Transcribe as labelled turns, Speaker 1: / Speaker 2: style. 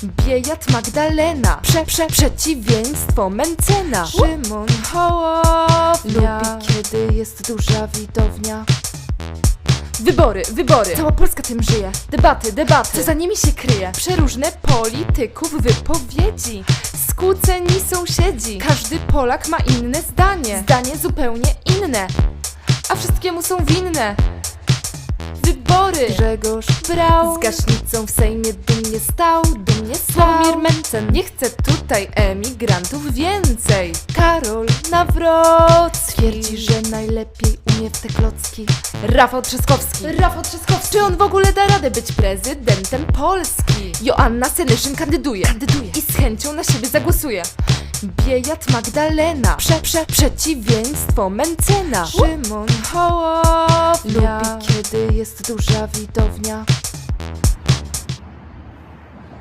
Speaker 1: Biejat Magdalena, przeciwieństwo Mencena. Szymon Hołownia lubi, kiedy jest duża widownia. Wybory, cała Polska tym żyje. Debaty, co za nimi się kryje? Przeróżne polityków wypowiedzi, skłóceni sąsiedzi. Każdy Polak ma inne zdanie zupełnie inne, a wszystkiemu są winne wybory. Grzegorz Braun z gaśnicą w Sejmie dumnie stał. Sławomir Mencen nie chce tutaj emigrantów więcej. Karol Nawrocki twierdzi, że najlepiej umie w te klocki. Rafał Trzaskowski, czy on w ogóle da radę być prezydentem Polski? Joanna Senyszyn kandyduje i z chęcią na siebie zagłosuje. Biejat Magdalena, przeciwieństwo Mencena. Szymon Hołownia lubi, kiedy jest duża widownia.